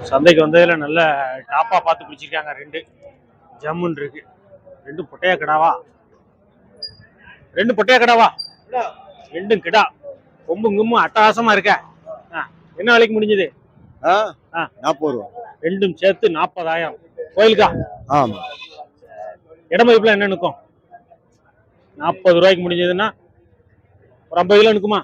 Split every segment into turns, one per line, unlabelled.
சந்தைக்கு வந்ததுல நல்ல டாப்பா பார்த்து பிடிச்சிருக்காங்க. ரெண்டு ஜம்முன் இருக்கு. ரெண்டு பொட்டையா கிடாவா? ரெண்டு பொட்டையா கிடாவா? ரெண்டும் கிடா. கொம்பும் கும்பும் அட்டகாசமா இருக்க. என்ன விலைக்கு முடிஞ்சது?
40 ரூபா.
ரெண்டும் சேர்த்து 40,000. கோயிலுக்கா?
ஆமா.
இடமதிப்புல என்ன நிற்கும்? 40 ரூபாய்க்கு முடிஞ்சதுன்னா ஒரு 50 கிலோ நிற்குமா?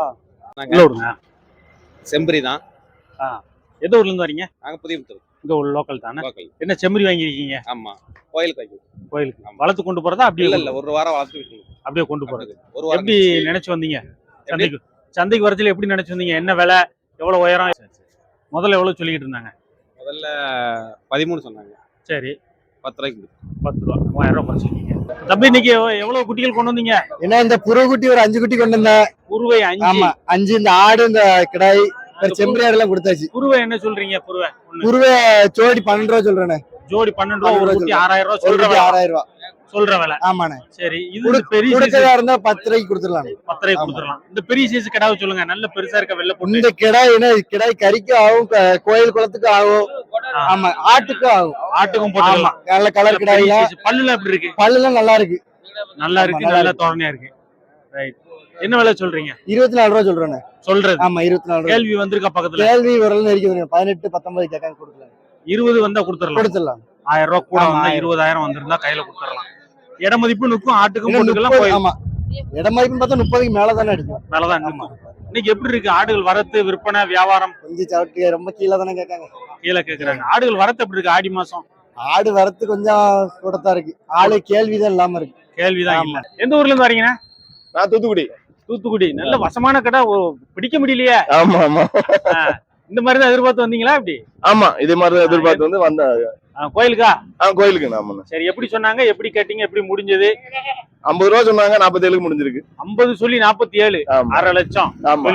செம்பரி தான்.
எந்த ஊர்ல இருந்து வரீங்க?
நாங்க புதியபுத்தூர்.
இங்க ஒரு லோக்கல் தானே. என்ன செம்மறி வாங்கிருக்கீங்க?
ஆமா, கோயிலுக்கு வைக்கும்.
கோயிலுக்கு வளர்த்து கொண்டு போறதா? அப்படியே
இல்ல, ஒரு வாரம் வளர்த்து
அப்படியே கொண்டு போறது.
ஒரு வாரம்.
எப்படி நினைச்சு வந்தீங்க? சந்தைக்கு வரதுல எப்படி நினைச்சு வந்தீங்க? என்ன விலை, எவ்வளவு உயரம், முதல்ல எவ்வளவு சொல்லிக்கிட்டு இருந்தாங்க?
முதல்ல 13 சொன்னாங்க.
சரி,
10 ரூபாய்க்கு
10 ரூபா, 3000 ரூபாய் குறைச்சிருக்கீங்க. தம்பி, இன்னைக்கு எவ்வளவு குட்டிகள் கொண்டு வந்தீங்க?
ஏன்னா இந்த புரு குட்டி ஒரு 5 குட்டி கொண்டு வந்தேன்.
குருவை 5.
ஆமா, 5. இந்த ஆடு, இந்த கிடாய், செம்பரி ஆடு எல்லாம் கொடுத்தாச்சு.
குருவை என்ன சொல்றீங்க?
குருவை ஜோடி 12 ரூபா சொல்றேனே.
ஜோடி 12 ரூபா. ஒரு குட்டி 6000 ரூபா சொல்ற விலை.
6000 ரூபா
சொல்ற விலை.
ஆமாண்ணே.
சரி, இது பெரிய
சைஸா இருந்தா 10 ரூபாய்க்கு கொடுத்துடலாம்.
10 ரூபாய்க்கு கொடுத்துடலாம். இந்த பெரிய சைஸ் கிடாவை சொல்லுங்க. நல்ல பெருசா இருக்க வெள்ளை பொண்ணு.
இந்த கிடாய் என்ன கிடாய் கறிக்கும் ஆகும், கோயில் குளத்துக்கு ஆகும். ஆமா, ஆட்டுக்கும் ஆகும்.
ஆட்டுக்கும் போட்டுக்கலாம்.
நல்ல கலர் கிடாய்.
பல்லுல எப்படி இருக்கு?
பல்லுலாம் நல்லா இருக்கு.
நல்லா இருக்கு. நல்ல தோரணையா இருக்கு. ரைட். என்ன விலை சொல்றீங்க?
24 ரூபா சொல்றேன்.
சொல்றது?
ஆமா, 24 ரூபா.
கேள்வி வந்திருக்கா பக்கத்துல?
கேள்வி வரல இருக்குது. 18 19 கேட்காங்க, கொடுக்கலாம்.
20 வந்தா கொடுத்துடலாம். 1000 ரூபா கூட வந்தா 20,000 வந்திருந்தா கையில கொடுத்துடலாம். இட மதிப்பு நிற்கும். ஆட்டுக்கும் போட்டுக்கலாம்.
ஆமா, இட மதிப்பு பார்த்தா 30க்கு மேலதானே அடிக்கும்.
மேலதான். இன்னைக்கு எப்படி இருக்கு ஆடுகள் வரத்து, விற்பனை, வியாபாரம்?
கொஞ்சம் சவுட்டி ரொம்ப கீழே தானே கேட்காங்க.
கீழே கேட்கறாங்க. ஆடுகள் வரத்து எப்படி இருக்கு? ஆடி மாசம்
ஆடு வரத்து கொஞ்சம் கூடத்தான் இருக்கு. ஆளு கேள்விதான் இல்லாம இருக்கு.
கேள்விதான் இல்ல. எந்த ஊர்ல இருந்து வரீங்கன்னா?
நான் தூத்துக்குடி.
தூத்துக்குடி. நல்ல வசமான கடை. பிடிக்க முடியலையே.
ஆமா ஆமா.
இந்த மாதிரிதான் எதிர்பார்த்து வந்தீங்களா? அப்படி?
ஆமா, இதே மாதிரிதான் எதிர்பார்த்து வந்து வந்தாங்க.
கோயிலுக்கா?
கோயிலுக்கு. நாம சரி,
எப்படி சொன்னாங்க? எப்படி கேட்டீங்க? எப்படி முடிஞ்சது?
50 ரூபா சொன்னாங்க. 47க்கு முடிஞ்சிருக்கு.
50 சொல்லி 47. 1/2 லட்சம்.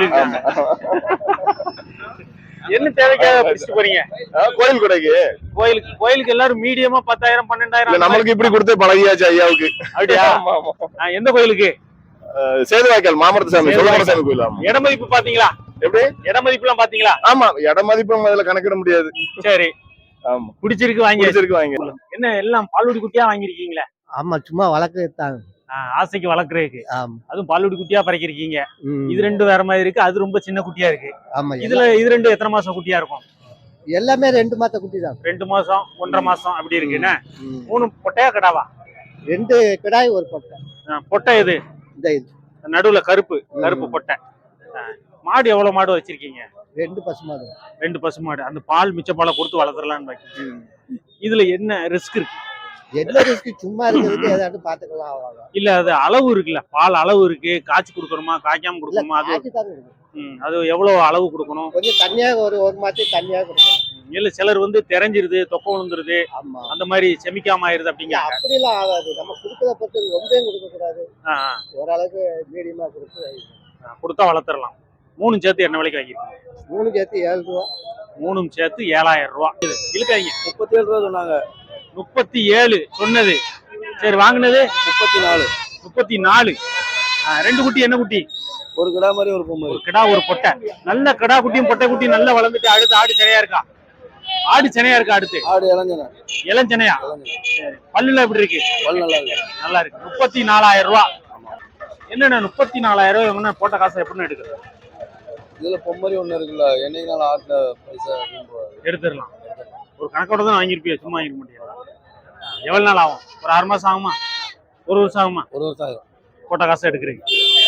என்ன தேவைக்காக பிடிச்சிட்டு போறீங்க?
கோயில் கடைக்கு.
கோயிலுக்கு எல்லாரும் மீடியமா 10,000 12,000.
நம்மளுக்கு இப்படி கொடுத்து பழகியாச்சு ஐயாவுக்கு.
அப்படியா? எந்த கோயிலுக்கு?
சேதுவாய்க்கால் மாமரத்தசாமி சொல்லமரசாமி கோயில்.
இட மதிப்பு பாத்தீங்களா? எப்படி இட மதிப்பு எல்லாம் பாத்தீங்களா?
ஆமா, இட மதிப்பு அதுல கணக்கிட முடியாது.
சரி.
ஆமா,
பிடிச்சிருக்கு வாங்கி. என்ன எல்லாம் பால்வடி குட்டியா வாங்கிருக்கீங்களா?
ஆமா, சும்மா வளர்க்கத்தாங்க.
ஆசைக்கு வளர்க்கறதுக்கு. அதுவும் பால்வடி குட்டியா பறக்கிருக்கீங்க. இது ரெண்டு வேற மாதிரி இருக்கு. அது ரொம்ப சின்ன குட்டியா இருக்கு.
ஆமா,
இது ரெண்டு எத்தனை மாசம் குட்டியா இருக்கும்?
எல்லாமே 2 மாச குட்டி தான்.
2 மாசம் 1.5 மாசம் அப்படி இருக்குன்னு. 3 பொட்டையா கிடாவா?
2 கிடாய், ஒரு பொட்டை.
பொட்டை இது நடுவுல கருப்பு பொட்டை. மாடு எவ்வளவு மாடு வச்சிருக்கீங்க?
2 பசுமாடு.
2 பசுமாடு. அந்த பால் மிச்ச பாலை கொடுத்து வளர்த்துறலான்னு பாக்கி. இதுல என்ன ரிஸ்க் இருக்கு?
என்ன ரிஸ்க்? சும்மா இருக்கிறதுக்கு ஏதாவது பாத்துக்கலாம், அவ்வளவுதான்.
இல்ல, அது அளவு இருக்குல்ல. பால் அளவு இருக்கு. காய்ச்சி கொடுக்கணுமா, காய்க்காம கொடுக்கணுமா? அது எவ்வளவு அளவு கொடுக்கணும்?
கொஞ்சம் தண்ணியா, ஒரு மாசம் தண்ணியா கொடுக்கணும்.
இல்ல, சிலர் வந்து தெரிஞ்சிருது, தொக்க விழுந்துருது, அந்த மாதிரி செமிக்காம ஆயிருது அப்படிங்க.
அப்படி எல்லாம் ஆகாது. நம்ம கொடுக்கறத பொறுத்து ரொம்ப கொடுக்க கூடாது. ஓரளவுக்கு மீடியமா
கொடுத்தா வளர்த்துடலாம். 3 சேர்த்து என்ன விலைக்கு வாங்கிருக்கீங்க?
3 சேர்த்து 7 ரூபா.
3 சேர்த்து 7,000 ரூபா. இழுக்காதீங்க.
37 ரூபா சொன்னாங்க.
37 சொன்னது. சரி, வாங்கினது
34.
34. 2 குட்டி. என்ன குட்டி?
ஒரு கிடா மாதிரி, ஒரு பொம்மை.
ஒரு கிடா, ஒரு பொட்டை. நல்ல கிடா குட்டியும் பொட்டை குட்டியும் நல்லா வளர்ந்துட்டு. அடுத்து ஆடு சினையா இருக்கா? அடுத்து
ஆடு
இளஞ்சனையா? பல்லுல எப்படி இருக்கு?
பல்லு நல்லா இருக்கு.
நல்லா இருக்கு. 34,000 ரூபா. என்னன்னா 34,000 ரூபா போட்ட காசை எப்படின்னு எடுக்கிறது?
இதுல பொம்மரி ஒண்ணு இருக்குல்ல, என்னைக்கு ஆட்ட பைசா
எடுத்துடலாம். ஒரு கணக்கோட தான் வாங்கிருப்பிய, சும்மா வாங்கிக்க முடியாது. எவ்வளவு நாள் ஆகும்? ஒரு 6 மாசம் ஆகுமா? 1 வருஷம் ஆகுமா?
1 வருஷம் ஆகும்.
போட்ட காசை எடுக்கிறீங்க.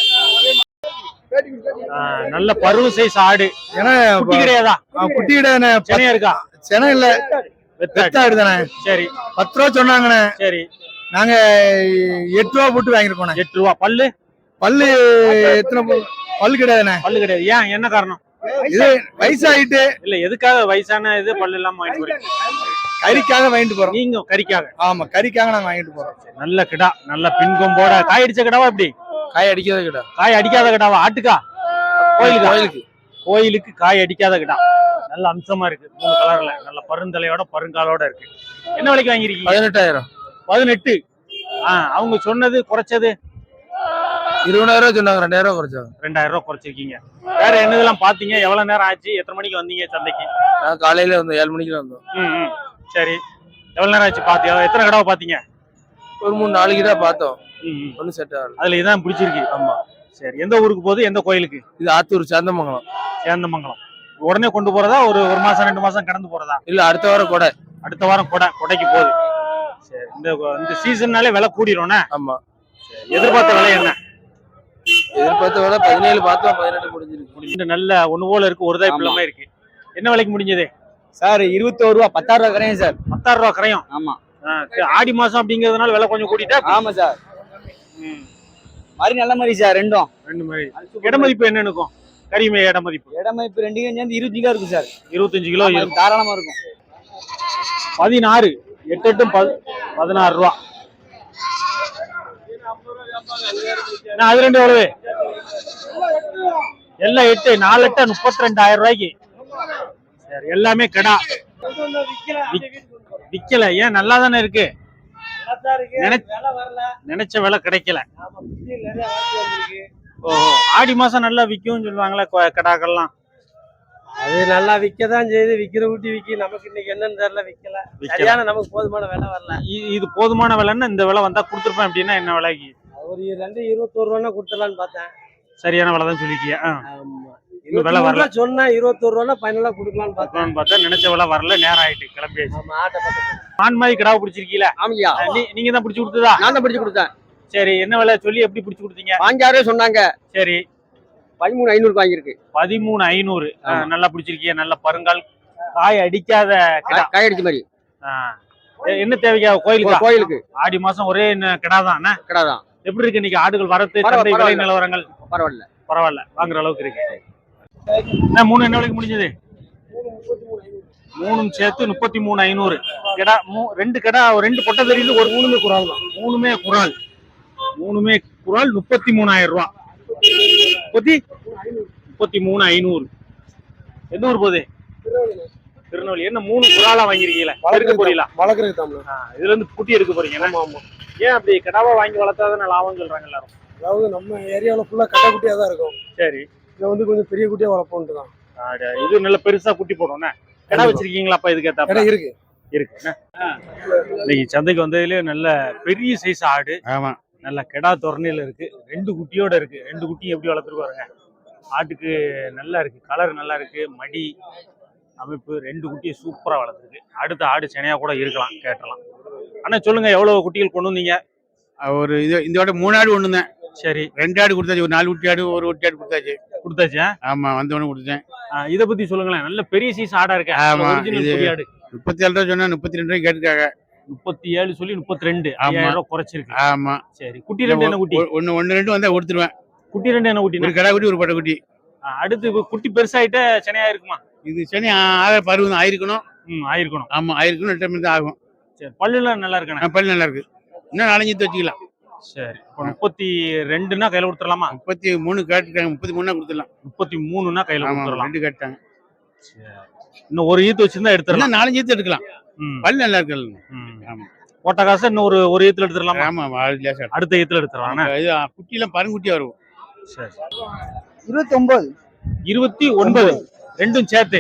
நல்ல பருவ சைஸ் ஆடு. ஏன்னா குட்டி கிடையாதா?
குட்டி கிடையாது.
சென்னையா இருக்கா?
சென்னை இல்ல, வெத்தாடு தானே.
சரி,
10 ரூபா சொன்னாங்கண்ணே.
சரி,
நாங்க 8 ரூபா போட்டு வாங்கிருக்கோம்.
8 ரூபா. பல்லு
எத்தனை பல்லு கிடையாதுண்ணே.
பல்லு கிடையாது. ஏன்? என்ன காரணம்?
இது வயசாயிட்டு.
இல்ல, எதுக்காக வயசான இது பல்லு எல்லாம் வாங்கிட்டு போறீங்க?
கறிக்காக வாங்கிட்டு போறோம்.
நீங்க கறிக்காக?
ஆமா, கறிக்காக நாங்க வாங்கிட்டு போறோம்.
நல்ல கிடா, நல்ல பின்கொம்போட. காய் அடிச்ச கிடாவா? எப்படி?
காய் அடிக்காத கிடா.
காய் அடிக்காத கிடாவா? ஆட்டுக்கா? கோயிலுக்கு காய் அடிக்காத கிடா. நல்ல அம்சமா இருக்கு. 3 கலர்ல நல்ல பருந்தலையோட பருங்காலோட இருக்கு. என்ன விலைக்கு வாங்கிருக்கீங்க?
18,000.
18. அவங்க சொன்னது குறைச்சது
20,000 சொன்னாங்க, 2,000 குறைச்சாங்க.
2000 ரூபா குறைச்சிருக்கீங்க. வேற என்னதெல்லாம் பாத்தீங்க? எவ்வளவு நேரம் ஆச்சு? எத்தனை மணிக்கு வந்தீங்க சந்தைக்கு?
நான் காலையில வந்து 7 மணிக்கு வந்தோம்.
ம். சரி. எவ்வளவு நேரம் ஆச்சு பாத்தியா? எத்தனை கடவை பாத்தீங்க?
ஒரு 3-4 கிட்ட பார்த்தோம்.
ம்.
ஒன்றும் செட் ஆகல.
அதுல இதான் பிடிச்சிருக்கு.
ஆமா.
சரி. எந்த ஊருக்கு போகுது? எந்த கோயிலுக்கு?
இது ஆத்தூர் சேந்தமங்கலம்.
சேந்தமங்கலம். உடனே கொண்டு போறதா? ஒரு மாசம் 2 மாசம் கடந்து போறதா?
இல்ல, அடுத்த வாரம் கொடை.
அடுத்த வாரம் கொடைக்கு போகுது. சரி. இந்த சீசன்னாலே விலை கூடிரும்னா?
ஆமா.
எதிர்பார்த்த விலை என்ன?
எதிர்பார்த்த விலை 17 பார்த்தோம், 18 முடிஞ்சிருக்கு.
இந்த நல்ல ஒண்ணு போல இருக்கு, ஒரு தாய் பிள்ளை இருக்கு. என்ன விலைக்கு முடிஞ்சது
சார்? 21 ரூபா, 16 ரூபா கரையும் சார்.
16 ரூபா கரையும்.
ஆமா.
ஆடி மாசம் அப்படிங்கறதுனால விலை கொஞ்சம் கூட்டிட்டா?
ஆமா சார். மாதிரி நல்ல மாதிரி சார். ரெண்டும்
ரெண்டு மாதிரி. இட மதிப்பு என்ன இருக்கும்? கரிமை இட மதிப்பு?
இட மதிப்பு 2 சேர்ந்து 25 கிலோ இருக்கும் சார்.
25 கிலோ இருக்கும்.
தாராளமா இருக்கும்.
16 8 16 ரூபா. அது ரெண்டு எவ்வளவு? எல்லாம் 8 4 8 32,000 ரூபாய்க்கு. சரி. எல்லாமே கடா. விக்கல. ஏன்? நல்லா தானே இருக்கு. நினைச்ச விலை கிடைக்கல. ஓஹோ. ஆடி மாசம் நல்லா விக்கும் சொல்லுவாங்களே கடாக்கள்லாம்.
அது நல்லா விற்கதான் செய்யுது. விக்கிற ஊட்டி விக்கி நமக்கு இன்னைக்கு என்னன்னு தெரியல, விக்கல. சரியான நமக்கு போதுமான விலை வரல.
இது போதுமான விலைன்னா இந்த விலை வந்தா கொடுத்துருப்பேன் அப்படின்னா என்ன விலைக்கு?
ஒரு 21 ரூபா கொடுத்துடலான்னு பார்த்தேன்.
சரியான விலை தான் சொல்லிக்கிய.
ஆமா.
இந்த விலை வரல
சொன்னா 21 ரூபா ஃபைனலா கொடுக்கலான்னு
பார்த்தா நினைச்ச விலை வரல. நேரம் ஆயிட்டு, கிளம்பியாச்சு.
ஆமா. ஆட்டை பார்த்து
ஆண் மாதிரி கிடாவை பிடிச்சிருக்கீங்களா?
ஆமாய்யா.
நீங்க தான் பிடிச்சி கொடுத்ததா?
நான் தான் பிடிச்சு கொடுத்தேன்.
சரி. என்ன விலை சொல்லி எப்படி பிடிச்சி கொடுத்தீங்க?
5,000 சொன்னாங்க.
சரி.
13,500 வாங்கியிருக்கு.
13,500. நல்லா பிடிச்சிருக்கீங்க. நல்ல பருங்கால், காய் அடிக்காத கிடா.
காய் அடிச்ச மாதிரி.
என்ன தேவைக்கா?
கோயிலுக்கு.
ஆடி மாசம் ஒரே கிடா தான்.
கடை தான்.
எப்படி இருக்கு இன்னைக்கு ஆடுகள் வரத்து, சந்தை விலை நிலவரங்கள்?
பரவாயில்ல.
பரவாயில்ல, வாங்குற அளவுக்கு இருக்கு. என்ன 3 என்ன விலைக்கு முடிஞ்சது? 3 சேர்த்து 33,500. கிடா 2 கிடா, 2 பொட்டை தெரியுது, ஒரு 3மே குறால் தான். 3மே குறால். 33,000 ரூபா. 33,500. எந்த ஊர் போகுது? திருநெல்வேலி. என்ன 3 குறாலா வாங்கிருக்கீங்களா? வளர்க்க போறீங்களா?
வளர்க்குறது.
இதுல இருந்து குட்டி எடுக்க போறீங்க. ஏன் அப்படி கிடாவா வாங்கி வளர்த்தாதான் லாபம் சொல்றாங்க எல்லாரும்?
அதாவது நம்ம ஏரியாவில் ஃபுல்லா கட்டை குட்டியா தான் இருக்கும்.
சரி.
இதை வந்து கொஞ்சம் பெரிய குட்டியா வளர்ப்போம்ட்டு தான்.
இது நல்ல பெருசா குட்டி போடும். கிடா வச்சிருக்கீங்களா? அப்ப இதுக்கு ஏத்த
இருக்கு.
இன்னைக்கு சந்தைக்கு வந்ததுலயே நல்ல பெரிய சைஸ் ஆடு.
ஆமா.
நல்ல கிடா தோரணையில இருக்கு. 2 குட்டியோட இருக்கு. 2 குட்டி எப்படி வளர்த்துருக்காருங்க. ஆட்டுக்கு நல்லா இருக்கு, கலர் நல்லா இருக்கு, மடி அமைப்பு. 2 குட்டியை சூப்பரா வளர்த்துருக்கு. அடுத்த ஆடு சென்னையா கூட இருக்கலாம், கேட்டலாம். ஆனா சொல்லுங்க, எவ்வளவு குட்டிகள் கொண்டு வந்தீங்க?
ஒரு இதோட 3 ஆடு ஒண்ணு தான்.
சரி.
2 ஆடு கொடுத்தாச்சு. ஒரு 4 குட்டி ஆடு, ஒரு ஒட்டி ஆடு கொடுத்தாச்சு. ஆமா, வந்தவொன்னு கொடுத்தேன்.
இத பத்தி சொல்லுங்களேன். நல்ல பெரிய சைஸ் ஆடா இருக்கு.
ஆமா.
ஒரிஜினல் குட்டி ஆடு.
37 ரூபா சொன்னா 32 ரூபாய்க்கு கேட்டுருக்காங்க.
37 சொல்லி 32. 5,000 ரூபாய் குறைச்சிருக்கு.
ஆமா.
சரி. குட்டி 2 என்ன குட்டி?
ஒன்னு 2 வந்தா கொடுத்துருவேன்.
குட்டி 2 என்ன குட்டி?
ஒரு கடா குட்டி, ஒரு பட்டை குட்டி.
அடுத்து குட்டி பெருசாயிட்ட சென்னையா இருக்குமா?
இது சனி பருவம் ஆயிருக்கணும்.
ஆயிருக்கணும்.
ஆமா, ஆயிருக்கணும். 8 தான் ஆகும்.
சரி. பல்லுலாம் நல்லா இருக்கணும்.
பல்லு நல்லா இருக்கு. இன்னும் 4 வச்சுக்கலாம்.
சரி. 32னா கையில கொடுத்துடலாமா?
33 கேட்டுருக்காங்க. 33 கொடுத்துடலாம்.
33னா கையில கொடுத்துடலாம்.
2 கேட்டாங்க.
இன்னும் ஒரு ஈத்து வச்சிருந்தா எடுத்துடலாம்.
4 ஈத்து எடுக்கலாம். பல்லு நல்லா இருக்கு. ஆமா.
போட்ட காசு இன்னும் ஒரு ஈத்துல எடுத்துடலாமா?
ஆமா,
அடுத்த ஈத்துல எடுத்துடலாம்.
இது குட்டிலாம் பருங்குட்டியா வரும்.
சரி.
29.
29. ரெண்டும் சேர்த்து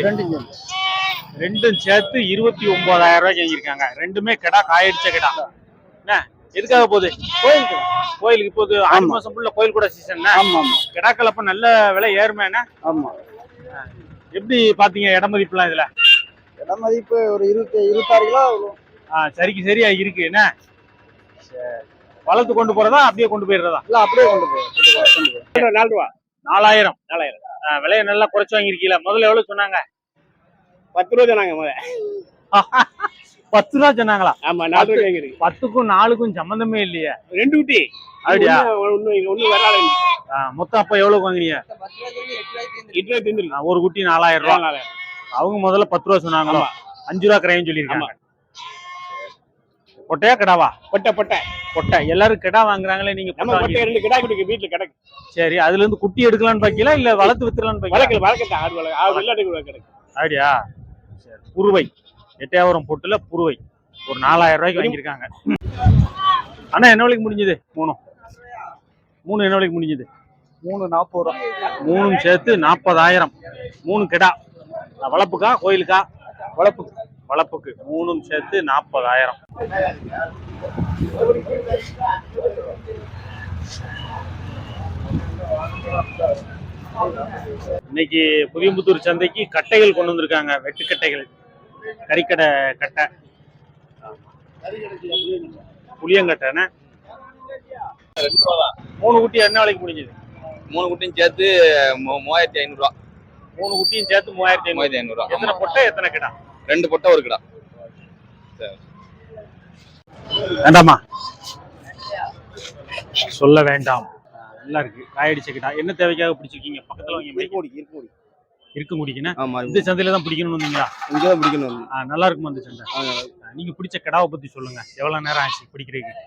29,000 ரூபாய்க்கு வாங்கியிருக்காங்க. 2மே கிடா, காயடிச்ச கிடா. என்ன எதுக்காக போகுது? கோயிலுக்கு போகுது. ஆடி மாசம் ஃபுல்லா கோயில் கூட சீசன். கிடாக்கள் அப்ப நல்ல விலை ஏறுமே.
ஆமா.
எப்படி பாத்தீங்க இட மதிப்புலாம் இதுல?
இட மதிப்பு ஒரு 26 கிலோ.
சரிக்கு சரியா இருக்கு. என்ன வளர்த்து கொண்டு போறதா அப்படியே கொண்டு போயிடுறதா?
இல்ல, அப்படியே கொண்டு போய்
4 ரூபா. 4,000. விலையை நல்லா குறைச்சு வாங்கிருக்கீங்களா? முதல்ல எவ்வளவு சொன்னாங்க?
10 ரூபா சொன்னாங்க.
10 ரூபா சொன்னாங்களா?
ஆமா, 4 ரூபாய் வாங்கிருக்கு.
10க்கும் 4க்கும் சம்பந்தமே இல்லையா?
2 குட்டி.
அப்படியா?
ஒண்ணு வரல.
மொத்தம் அப்ப எவ்வளவு வாங்குறீங்க?
8 ரூபாய் தின்னு.
ஒரு குட்டி 4,000 ரூபா. அவங்க முதல்ல 10 ரூபா சொன்னாங்களோ? 5 ரூபா கிரையும் சொல்லியிருக்காங்க. பொட்டையா கிடாவா? பொட்டை. எல்லாரும் கிடா வாங்குறாங்களே, நீங்க
நம்ம பொட்டை 2 கிடா குட்டி வீட்டுல கிடக்கு.
சரி. அதுல இருந்து குட்டி எடுக்கலாம்னு பாக்கீங்களா இல்ல வளர்த்து வித்துறலாம்னு பாக்கீங்களா?
வளர்க்கத்தான் ஆடு வளர்க்க. ஆடு வெள்ளாட்டு கிடக்கு.
அப்படியா? சரி. புருவை எட்டையாவரம் பொட்டுல புருவை ஒரு 4,000 ரூபாய்க்கு வாங்கியிருக்காங்க. அண்ணா என்ன விலைக்கு முடிஞ்சது? 3 3 என்ன விலைக்கு முடிஞ்சது?
340 ரூபா.
3 சேர்த்து 40,000. 3 கிடா. வளர்ப்புக்கா கோயிலுக்கா?
வளர்ப்பு.
வளர்ப்புக்கு 3 சேர்த்து 40,000. இன்னைக்கு புதியம்புத்தூர் சந்தைக்கு கட்டைகள் கொண்டு வந்திருக்காங்க, வெட்டுக்கட்டைகள், கறிக்கடை கட்டை, புளியங்கட்டைன்னு. 3 குட்டி என்ன விலைக்கு முடிஞ்சது?
3 குட்டியும் சேர்த்து 3500 ரூபா.
3 குட்டியும் சேர்த்து 3500 ரூபா. எத்தனை பொட்டை எத்தனை கிடா?
2 பொட்டை ஒரு கிடா.
வேண்டாமா, சொல்ல வேண்டாம். நல்லா இருக்கு, காயடிச்ச கிடா. என்ன தேவைக்காக பிடிச்சிருக்கீங்க? பக்கத்துல இருக்கும் குடிக்கணும். இந்த சந்தையில தான் பிடிக்கணும்னு வந்தீங்களா?
இங்கதான் பிடிக்கணும்.
நல்லா இருக்குமா இந்த சந்தை? நீங்க பிடிச்ச கிடாவை பத்தி சொல்லுங்க. எவ்வளவு நேரம் ஆச்சு பிடிக்கிறதுக்கு?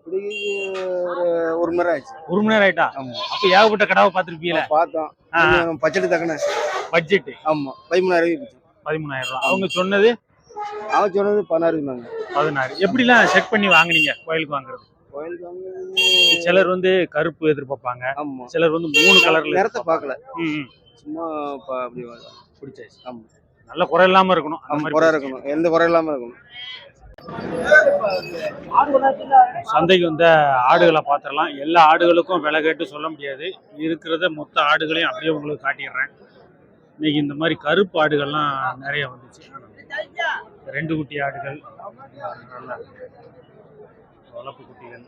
ஒரு மணி நேரம் ஆச்சு.
1 மணி நேரம் ஆயிட்டா? அப்ப ஏகப்பட்ட கிடாவை பாத்துருப்பீங்களா?
பார்த்தோம். பட்ஜெட் தக்கன
பட்ஜெட்.
ஆமா 13,000.
13,000 ரூபாய். அவங்க சொன்னது?
அவன் சொன்னது 16.
16. எப்படிலாம் செக் பண்ணி வாங்குனீங்க கோயிலுக்கு வாங்குறது? சிலர் வந்து கருப்பு எதிர்பார்ப்பாங்க, சிலர் வந்து 3 கலர்ல.
நேரத்தை பார்க்கல, சும்மா அப்படி
பிடிச்சாச்சு. ஆமா, நல்ல குறை இல்லாம இருக்கணும். அந்த மாதிரி
குறை இருக்கணும், எந்த குறை இல்லாம இருக்கணும்.
சந்தைக்கு வந்த ஆடுகளை பார்த்துடலாம். எல்லா ஆடுகளுக்கும் விலை கேட்டு சொல்ல முடியாது. இருக்கிறத மொத்த ஆடுகளையும் அப்படியே உங்களுக்கு காட்டிடுறேன். இன்னைக்கு இந்த மாதிரி கருப்பு ஆடுகள்லாம் நிறைய வந்துச்சு. 2 குட்டி ஆடுகள், நல்லா வளர்ப்பு குட்டிகள்.